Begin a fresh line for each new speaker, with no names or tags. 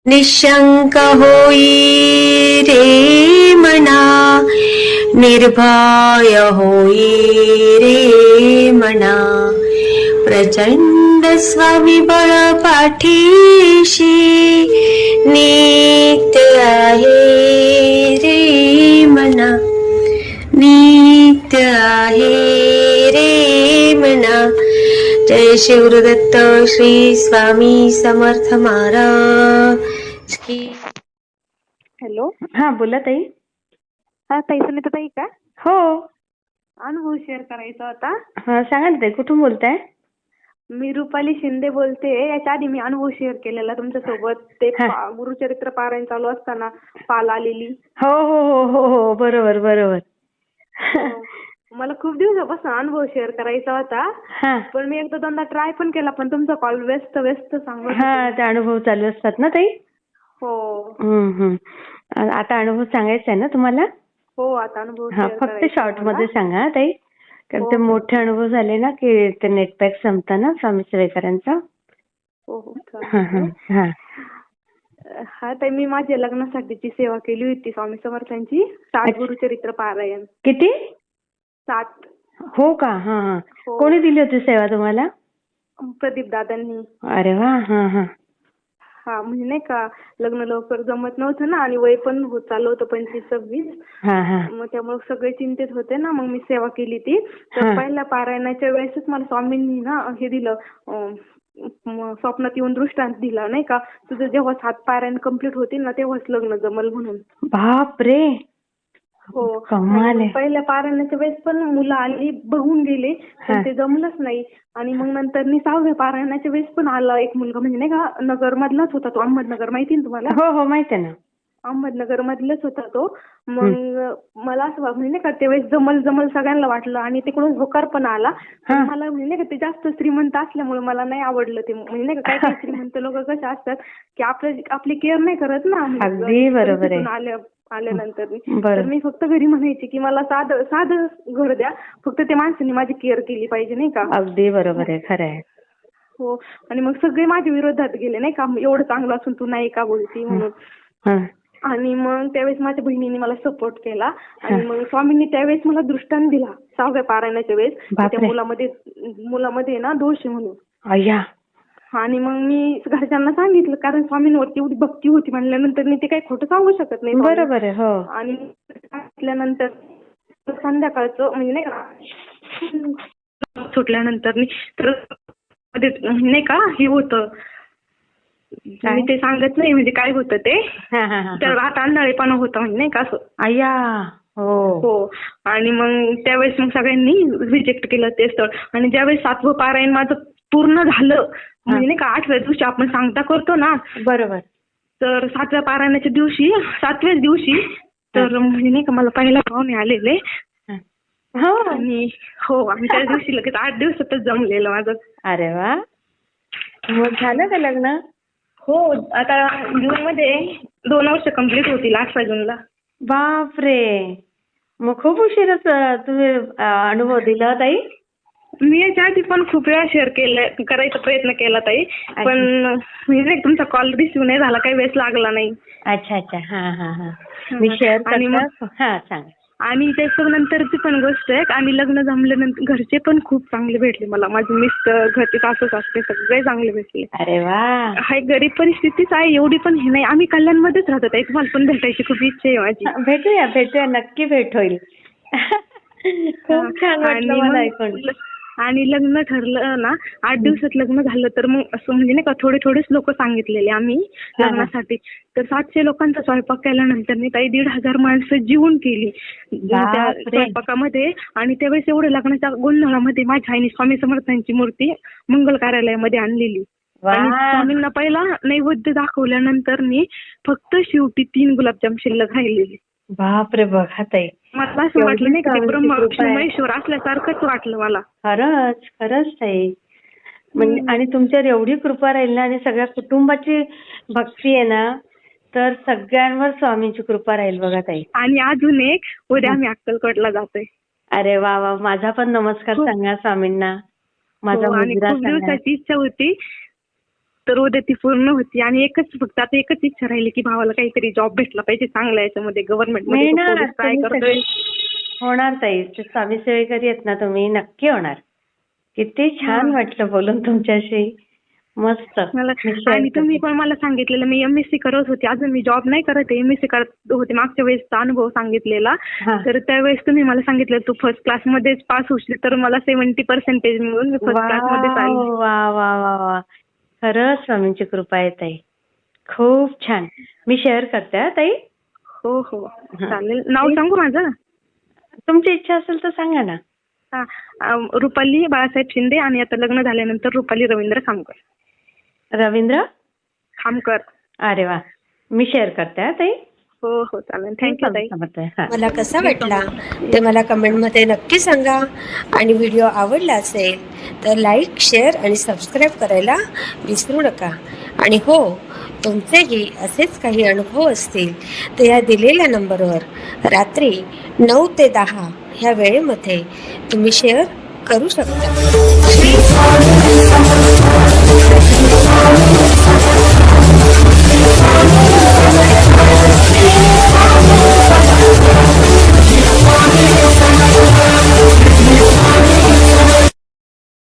निशंक होई रे मना, निर्भय होई रे मना, प्रचंड स्वविबळ पाठीशी नित्य आहे रे मना, नित्य आहे रे मना. जय शिवदत्त श्री स्वामी समर्थ महाराज की.
हॅलो.
हा बोला ताई.
हा ताई, सुनीता ताई का?
हो.
अनुभव शेअर करायचा होता.
हा सांगा ना ताई, कुठून बोलताय?
मी रुपाली शिंदे बोलते. याच्या आधी मी अनुभव शेअर केलेला तुमच्यासोबत. ते गुरुचरित्र पारायण चालू असताना पाल आलेली.
हो हो हो हो हो बरोबर बरोबर.
मला खूप दिवसापासून अनुभव शेअर करायचा होता. पण मी एकदा दोनदा ट्राय पण केला, पण तुमचा कॉल व्यस्त व्यस्त सांगत.
हा, ते अनुभव चालू असतात ना ताई.
हो.
आता अनुभव सांगायचा आहे ना तुम्हाला?
हो, आता अनुभव
फक्त शॉर्ट मध्ये सांगा ताई, कारण ते मोठे अनुभव झाले ना की ते नेट पॅक संपता ना स्वामी सेवेकरांचा.
हो हो. हा ताई, मी माझ्या लग्नासाठीची सेवा केली होती स्वामी समर्थांची. 7 गुरुचरित्र पारायण.
किती?
7.
हो का? हा हा. कोणी दिली होती सेवा तुम्हाला?
प्रदीप दादांनी.
अरे वा. हा हा.
हा, म्हणजे नाही का, लग्न लवकर जमत नव्हतं ना, आणि वय पण होत चालू होतं 25-26. मग त्यामुळे सगळे चिंतित होते ना. मग मी सेवा केली ती. तर पहिल्या पारायणाच्या वेळेसच मला स्वामींनी ना हे दिलं, स्वप्नात येऊन दृष्टांत दिला, नाही का, तुझं जेव्हा 7 पारायण कम्प्लीट होतील ना तेव्हाच लग्न जमल म्हणून.
बाप रे.
हो. पहिल्या पारायणाच्या वेळेस पण मुलं आली, बघून गेले, पण ते जमलंच नाही. आणि मग नंतर 6व्या पारायणाच्या वेळेस पण आला एक मुलगा, म्हणजे नाही का, नगर मधलाच होता तो. अहमदनगर माहिती ना तुम्हाला?
हो हो माहिती आहे ना.
अहमदनगर मधलाच होता तो. मग मला असं म्हणजे नाही का, त्यावेळेस जमल सगळ्यांना वाटलं, आणि तिकडून होकार पण आला. मला म्हणजे नाही का, ते जास्त श्रीमंत असल्यामुळे मला नाही आवडलं ते. म्हणजे नाही का, काही श्रीमंत लोक कसे असतात की आपली केअर नाही करत ना.
अगदी बरोबर आहे.
आल्यानंतर तर मी फक्त घरी म्हणायची की मला साधं घर द्या, फक्त त्या माणसाने माझी केअर केली पाहिजे, नाही का.
अगदी बरोबर आहे, खरं आहे.
हो. आणि मग सगळे माझ्या विरोधात गेले, नाही का, एवढं चांगलं असून तू नाही का बोलती म्हणून. आणि मग त्यावेळेस माझ्या बहिणीने मला सपोर्ट केला. आणि मग स्वामींनी त्यावेळेस मला दृष्टांत दिला 6व्या पारायणाच्या वेळेस, त्या मुलामध्ये ना दोष आहे म्हणून. आणि मग मी घरच्यांना सांगितलं, कारण स्वामींवरती एवढी भक्ती होती म्हणल्यानंतर मी ते काही खोटं सांगू शकत नाही.
बरोबर आहे. हो. आणि
सांगितल्यानंतर संध्याकाळचं म्हणजे नाही का, सुटल्यानंतर तर नाही का हे होतं, मी ते सांगत नाही म्हणजे काय होतं ते. तर आता अंधाळेपणा होता, म्हणजे नाही का असं. हो. आणि मग त्यावेळेस मग सगळ्यांनी रिजेक्ट केलं ते स्थळ. आणि ज्यावेळेस 7वं पारायण माझं पूर्ण झालं, म्हणजे नाही का, 8व्या दिवशी आपण सांगता करतो ना. बरोबर. तर 7व्या पारायणाच्या दिवशी, 7व्याच दिवशी, तर म्हणजे नाही का, मला पहिला पाहुणे आलेले. आणि आणि त्या दिवशी लगेच 8 दिवसातच जमलेलं माझं.
अरे वा. मग झालं का लग्न?
हो. आता जूनमध्ये 2 वर्ष कम्प्लीट होतील, 8 जूनला.
बापरे. मग खूप उशीरच तुम्ही अनुभव दिला ताई.
मी याच्या आधी पण खूप वेळा शेअर करायचा प्रयत्न केला ताई, पण म्हणजे तुमचा कॉल रिसिव्ह नाही झाला, काही वेळेस लागला नाही.
अच्छा. मी शेअर करते. सांगा.
आणि त्याच्यानंतरची पण गोष्ट आहे, आणि लग्न जमल्यानंतर घरचे पण खूप चांगले भेटले मला. माझे मिस्टर, घरचे सासू सासरे सगळे चांगले भेटले.
अरे वा.
हाय, गरीब परिस्थितीच आहे, एवढी पण हे नाही. आम्ही कल्याणमध्येच राहतो ताई, तुम्हाला पण भेटायची खूप इच्छा आहे माझी.
भेटूया नक्की भेट होईल. खूप छान वाटलं मला ऐकून.
आणि लग्न ठरलं ना, 8 दिवसात लग्न झालं, तर मग असं म्हणजे नाही का, थोडेच लोक सांगितलेले आम्ही लग्नासाठी. तर 700 लोकांचा स्वयंपाक केल्यानंतर मी ताई 1,500 माणसं जेवून केली त्या स्वयंपाकामध्ये. आणि त्यावेळेस एवढं लग्नाच्या गोंधळामध्ये माझ्या आईने स्वामी समर्थांची मूर्ती मंगल कार्यालयामध्ये आणलेली. आणि स्वामींना पहिला नैवेद्य दाखवल्यानंतर मी फक्त शेवटी 3 गुलाबजाम शिल्लक राहिलेली.
बापरे. बघा ताई,
मला असं वाटलं नाही का, ब्रह्मा विष्णू महेश्वर असल्यासारखंच वाटलं मला.
खरंच ताई. म्हणजे आणि तुमच्यावर एवढी कृपा राहील ना, आणि सगळ्या कुटुंबाची भक्ती आहे ना, तर सगळ्यांवर स्वामींची कृपा राहील बघा ताई.
आणि अजून एक, उद्या आम्ही अक्कलकोटला जातोय.
अरे वा वा. माझा पण नमस्कार सांगा स्वामींना. माझा मुलगा
खूप दिवसाची इच्छा होती. तर उद्या ती पूर्ण होती. आणि फक्त आता एकच इच्छा राहिली की भावाला काहीतरी जॉब भेटला पाहिजे चांगला याच्यामध्ये, गव्हर्नमेंट मध्ये
मिळणार,
ट्राय
तुम्ही
करतोय.
होणार ताई. ते स्वामी सेवेकरी आहेत ना तुम्ही, नक्की होणार. किती छान वाटलं बोलून तुमच्याशी. मस्त.
मला
मी share
आणि तुम्ही
करते.
पण मला सांगितलेलं, मी MSc करत होते, अजून मी जॉब नाही करत आहे, MSc करत होते मागच्या वेळेसचा अनुभव सांगितलेला.
हा.
तर त्यावेळेस तुम्ही मला सांगितलं तू फर्स्ट क्लास मध्येच पास होशील, तर मला 70% मिळून मी फर्स्ट क्लास मध्येच
वा
आली.
वा वा वा वा. खरंच स्वामींची कृपा आहे ताई. खूप छान. मी शेअर करते हा ताई.
हो हो चालेल. नाव सांगू माझं?
तुमची इच्छा असेल तर सांगा ना.
रुपाली बाळासाहेब शिंदे, आणि आता लग्न झाल्यानंतर रुपाली रवींद्र खामकर.
रवींद्र
खामकर.
अरे वा. मी शेअर करते हा ताई.
हो हो चालेल. थँक्यू ताई.
हा.
मला कसा वाटला ते मला कमेंटमध्ये नक्की सांगा. आणि व्हिडिओ आवडला असेल तर लाईक, शेअर आणि सबस्क्राईब करायला विसरू नका. आणि हो, तुमचेही असेच काही अनुभव असतील तर या दिलेल्या नंबरवर रात्री 9 ते 10 ह्या वेळेमध्ये तुम्ही शेअर करू शकता.